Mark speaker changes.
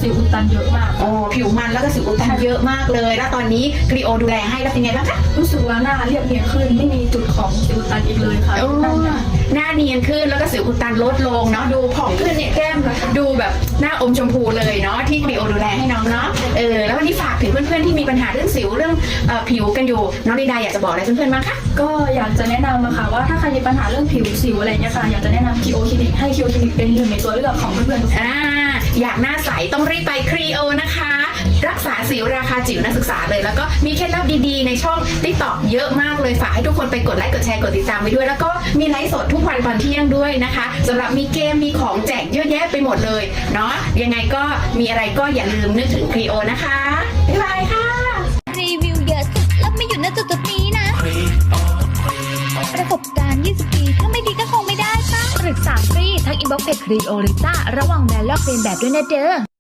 Speaker 1: สิวอุดตันเยอะมาก
Speaker 2: อ๋อผิวมันแล้วก็สิวอุดตันเยอะมากเลยแล้วตอนนี้ครีโอดูแลให้แล้วเป็นไงบ้างคะ
Speaker 1: รู้สึกว่าหน้าเรียบเนียนขึ้นไม่มีจุดของสิวอุดตันอีกเลยค่ะ
Speaker 2: หน้าเนียนขึ้นแล้วก็สิวอุดตันลดลงเนาะดูผ่องขึ้นเนี่ยแก้มดูแบบหน้าอมชมพูเลยเนาะที่ครีโอดูแลให้น้องเนาะแล้ววันนี้ฝากถึงเพื่อนๆที่มีปัญหาเรื่องสิวเรื่องผิวกันอยู่น้องลีดาอยากจะบอกอะไรเพื่อนๆบ้างคะ
Speaker 1: ก็อยากจะแนะนำค่ะว่าถ้าใครมีปัญหาเรื่องผิวสิวอะไรเนี่ยค่ะอยากจะแนะนำคีโอคลินิกให้คีโอคลินิกเป็นหนึ่งในตัวเลือกของเพื่อน
Speaker 2: ๆอยากหน้าใสต้องรีบไปครีโอนะคะรักษาสิวราคาจิ๋วนักศึกษาเลยแล้วก็มีเคล็ดลับดีๆในช่อง TikTok เยอะมากเลยฝากให้ทุกคนไปกดไลค์กดแชร์กดติดตามไว้ด้วยแล้วก็มีไลฟ์สดทุกวันตอนเที่ยงด้วยนะคะสำหรับมีเกมมีของแจกเยอะแยะไปหมดเลยเนาะยังไงก็มีอะไรก็อย่าลืมนึกถึงครีโอนะคะบ๊ายบายค่ะ
Speaker 3: รีวิวเยอะสุดแล้วไม่อยู่ณจุดนี้นะประสบการณ์20 ปีถ้าไม่ดีก็คงไม่ได้ป่ะปรึกษาฟรีทั้งอินบ็อกซ์เพจครีโอลิต้าระวังแบรนด์ลอกเลียนแบบด้วยนะเด้อ